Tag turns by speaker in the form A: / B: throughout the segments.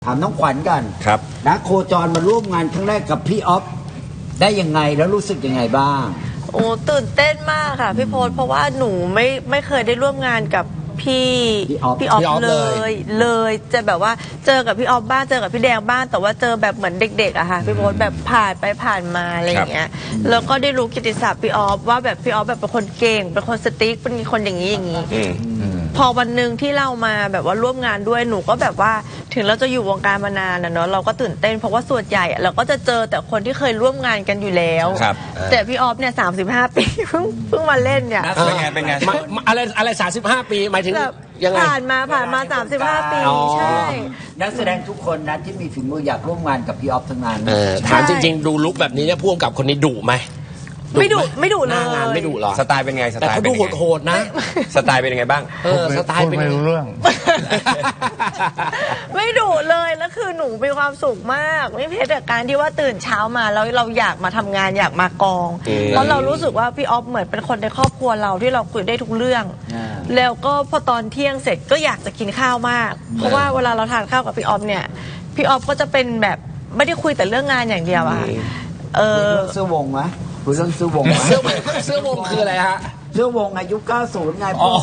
A: ถามน้องขวัญกัน
B: ครับ
A: นะโคจรมาร่วมงานครั้งแรกกับพี่ออฟได้ยังไงแล้วรู้สึกยังไงบ้าง
C: โอ้ตื่นเต้นมากค่ะพี่โพสเพราะว่าหนูไม่เคยได้ร่วมงานกับพี่ออฟเลยจะแบบว่าเจอกับพี่ออฟบ้างเจอกับพี่แดงบ้างแต่ว่าเจอแบบเหมือนเด็กๆอะค่ะพี่โพสแบบผ่านไปผ่านมาอะไรอย่างเงี้ยแล้วก็ได้รู้กิตติศัพท์พี่ออฟว่าแบบพี่ออฟแบบเป็นคนเก่งเป็นคนสติ๊กเป็นคนอย่างนี้พอวันหนึ่งที่เรามาแบบว่าร่วมงานด้วยหนูก็แบบว่าถึงเราจะอยู่วงการมานานนะเนาะเราก็ตื่นเต้นเพราะว่าส่วนใหญ่เราก็จะเจอแต่คนที่เคยร่วมงานกันอยู่แล้วแต่พี่ออฟเนี่ย35 ปีเพิ่งมาเล่นเนี่ย
B: เป็นไง
D: อะไร35 ปีหมายถึงยังไง
C: ผ่านมา35 ปีใช่
A: นักแสดงทุกคนนะที่มีฝีมืออยากร่วมงานกับพี่ออฟทั้งนั้น
D: ถามจริงๆดูลุคแบบนี้เนี่ยพ่วงกับคนนี้ดุไหม
C: ไม่ดุเลย
D: งานไม่ดุหรอ
B: สไตล์เป็นไงสไตล์
D: แต่เขาดูโหดๆนะ
B: สไตล์เป็นยังไงบ้าง
D: สไตล์เป็น
E: ไม่รู้เรื่อง
C: ไม่ดุเลยแล้วคือหนูมีความสุขมากไม่เพียงแต่การที่ว่าตื่นเช้ามาแล้วเราอยากมาทำงานอยากมากองเพราะเรารู้สึกว่าพี่ออฟเหมือนเป็นคนในครอบครัวเราที่เราคุยได้ทุกเรื่องแล้วก็พอตอนเที่ยงเสร็จก็อยากจะกินข้าวมากเพราะว่าเวลาเราทานข้าวกับพี่ออฟเนี่ยพี่ออฟก็จะเป็นแบบไม่ได้คุยแต่เรื่องงานอย่างเดียวอะ
A: เสื้อวงไหมคุยเรื่องเสื้อวง
D: เสื้อวงคืออะไรฮะ
A: เสื้อวงอายุ90ไง
D: อ๋อ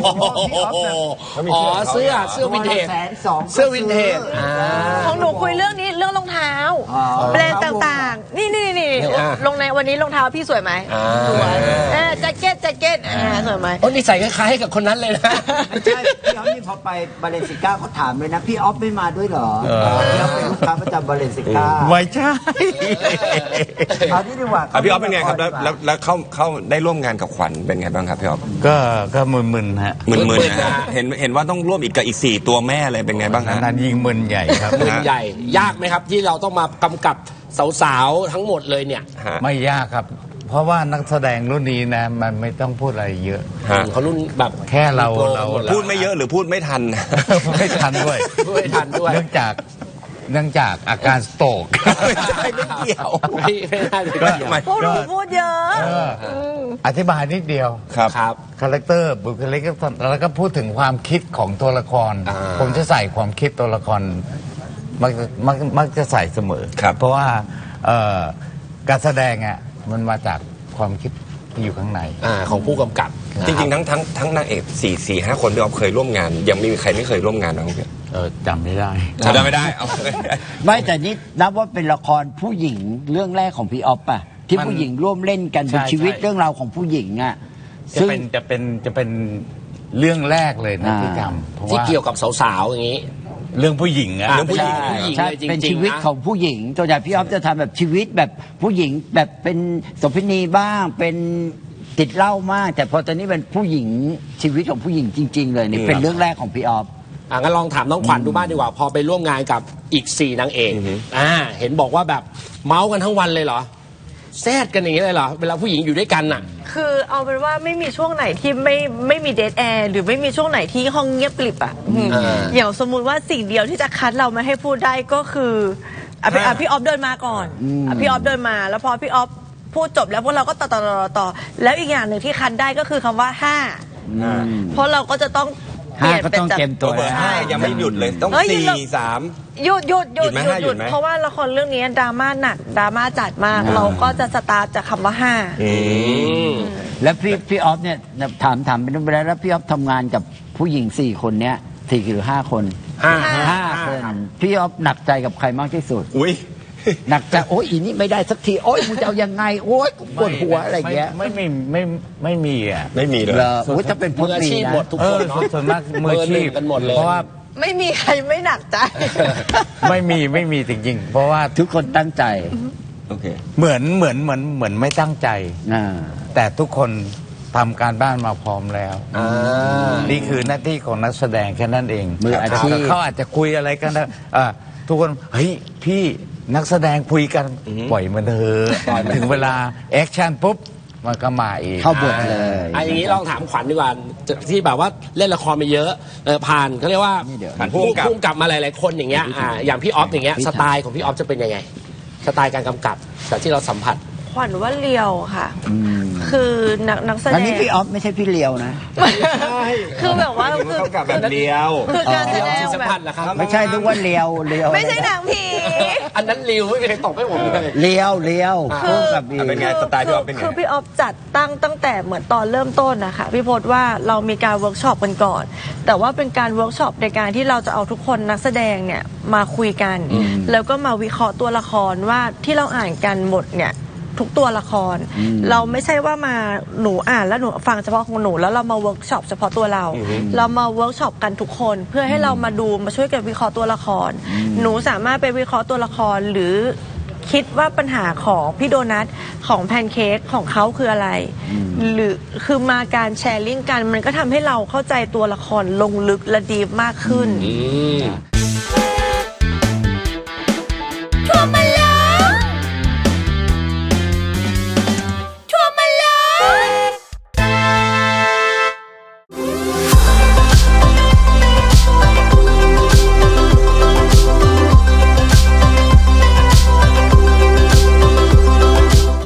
D: เสื้อวินเทจเสื้อวินเทจ
C: ของหนูคุยเรื่องนี้เรื่องรองเท้าแบรนด์ต่างๆนี่ลงในวันนี้รองเท้าพี่สวยไหมสวยแจ็คเก็ตสวยไหม
D: โอ้นี่ใส่คล้ายๆกับคนนั้นเลยนะ
A: ใช่พี่ออฟนี่พอไปบาเลนซิก้าเขาถามเลยนะพี่ออฟไม่มาด้วยเหรอพี่ออฟเป็นลูกค้าประจำบาเลนซิก้า
E: ไม่ใช่
A: เอาที่ดีกว่า
B: พี่ออฟเป็นไงครับแล้วเข้าได้ร่วมงานกับขวัญเป็นไงบ้างครับพี่ออฟ
E: ก็มึนๆฮะ
B: มึนๆนะเห็นว่าต้องร่วมอีกกับอีก4ตัวแม่เลยเป็นไงบ้างฮะ
E: นั้นยิงมึนใหญ่ครับ
D: มึนใหญ่ยากไหมครับที่เราต้องมากำกับสาวๆทั้งหมดเลยเนี่ย
E: ไม่ยากครับเพราะว่านักแสดงรุ่นนี้นะมันไม่ต้องพูดอะไรเยอะ
D: เขารุ่นแบบ
E: แค่เรา
B: พูดไม่เยอะหรือพูดไม่ทัน
E: ไม่ทันด้วยเนื่องจากอาการสโตรก
B: ไม่เกี่ยว
D: ไม่ได้
C: พูดเยอะ
E: อธิบายนิดเดียว
D: ครับ
E: คาแรคเตอร์บุคลิกแล้วก็พูดถึงความคิดของตัวละครผมจะใส่ความคิดตัวละครมักจะใส่เสมอเพราะว่าการแสดงอ่ะมันมาจากความคิดที่อยู่ข้างใน
D: ของผู้กำกับ
B: จริงๆทั้งนางเอก4-5 คนที่ออฟเคยร่วมงานยังไม่มีใครไม่เคยร่วมงานบ้างพี่
E: จำไม่ได้
B: เอา
A: ไม่แต่นี่นับว่าเป็นละครผู้หญิงเรื่องแรกของพี่ออฟป่ะที่ผู้หญิงร่วมเล่นกันเป็นชีวิตเรื่องราวของผู้หญิงอ่ะ
E: จะเป็นเรื่องแรกเลยนะที่ทำ
D: ที่เกี่ยวกับสาวๆอย่างนี้
E: เรื่องผู้หญิงอะ
D: เรื่องผู้หญิง
A: ใช่เป็นชีวิตของผู้หญิงตัวอย่างพี่ออฟจะทำแบบชีวิตแบบผู้หญิงแบบเป็นโสเภณีบ้างเป็นติดเหล้ามากแต่พอตอนนี้เป็นผู้หญิงชีวิตของผู้หญิงจริงๆเลยนี่เป็นเรื่องแรกของพี่ออฟ
D: งั้นลองถามน้องขวัญดูบ้างดีกว่าพอไปร่วมงานกับอีก4 นางเอกเห็นบอกว่าแบบเมาส์กันทั้งวันเลยเหรอแซดกันอย่างนี้เลยเหรอเวลาผู้หญิงอยู่ด้วยกันน่ะ
C: คือเอาเป็นว่าไม่มีช่วงไหนที่ไม่มีเดทแอร์หรือไม่มีช่วงไหนที่ห้องเงียบกริบอ่ะอย่างสมมุติว่าสิ่งเดียวที่จะคัดเราไม่ให้พูดได้ก็คือพี่ออฟเดินมาก่อนพี่ออฟเดินมาแล้วพอพี่ออฟพูดจบแล้วพวกเราก็ต่อแล้วอีกอย่างหนึ่งที่คัดได้ก็คือคำว่า5เพราะเราก็จะต้อง
A: 5ก็ต้องเต็มตัว
B: 5ยังไม่หยุดเลยต้อง4-3
C: หยุดเพราะว่าละครเรื่องนี้ดราม่าหนักดราม่าจัดมากเราก็จะสตาร์ทจากคำว่า5
A: แล้วพี่ออฟเนี่ยถามเป็นเวลาแล้วพี่ออฟทำงานกับผู้หญิง4 คนเนี้ย4 หรือ 5 คน5 คนพี่ออฟหนักใจกับใครมากที่สุดหนักใจโอ้ยอีนี่ไม่ได้สักทีโอ้ยมึงจะเอายังไงโอ้ยปวดหัวอะไรเงี้ย
E: ไม่มีอ่ะ
B: ไม่มีเลย
A: โอ้ยถ้าเป็น
D: มืออาชีพหมดทุกคนเนาะ
E: ส่วนมากมืออาชีพ
D: กันหมดเลย
E: เพราะว่า
C: ไม่มีใครไม่หนักใจ
E: ไม่มีจริงๆเพราะว่า
A: ทุกคนตั้งใจ
E: เหมือนไม่ตั้งใจแต่ทุกคนทำการบ้านมาพร้อมแล้วนี่คือหน้าที่ของนักแสดงแค่นั้นเอง
A: มืออาชีพ
E: เขาอาจจะคุยอะไรกันนะทุกคนเฮ้ยพี่นักแสดงคุยกันปล่อยมันเถอะถึงเวลาแอคชั่นปุ๊บมันก็มาเอง
A: เข้าบทเลย
D: อย่างนี้ลองถามขวัญดีกว่าที่แบบว่าเล่นละครมาเยอะผ่านเขาเรียกว่าผ่านพุ่งกลับมาหลายๆคนอย่างเงี้ยอย่างพี่ออฟอย่างเงี้ยสไตล์ของพี่ออฟจะเป็นยังไงสไตล์การกำกับจากที่เราสัมผัส
C: ขวัญว่าเรียวค่ะคือนักแสดง
A: อันนี้พี่ออฟไม่ใช่พี่เลียวนะ
C: คือแบบว่าคือ
B: ต้องกับแบบเลี้ยว
C: คือการแสดง
D: สัม
C: แบ
D: พัน
C: บ
D: ธ์เหรอครับ
A: ไม่ใช่ทุกว่าเลียว
C: ไม่ใช่หนังผี
D: อันนั้นริวไม่มีใครตอบให้ผมเลย
A: เลียวคู่กับอี
B: เป็นไงสไตล์พี่ออฟเป็นไง
C: คือพี่ออฟจัดตั้งแต่เหมือนตอนเริ่มต้นนะคะพี่พจน์ว่าเรามีการเวิร์กช็อปกันก่อน แต่ว่าเป็นการเวิร์กช็อปในการที่เราจะเอาทุกคนนักแสดงเนี่ยมาคุยกัน แล้วก็มาวิเคราะห์ตัวละครว่าที่เราอ่านกันหมดเนี่ยทุกตัวละคร เราไม่ใช่ว่ามาหนูอ่านแล้วหนูฟังเฉพาะของหนูแล้วเรามาเวิร์กช็อปเฉพาะตัวเรา เรามาเวิร์กช็อปกันทุกคนเพื่อให้เรามาดูมาช่วยกันวิเคราะห์ตัวละคร หนูสามารถไปวิเคราะห์ตัวละครหรือคิดว่าปัญหาของพี่โดนัทของแพนเค้กของเขาคืออะไร หรือคือมาการแชร์ลิงก์กันมันก็ทำให้เราเข้าใจตัวละครลงลึกและดีมากขึ้น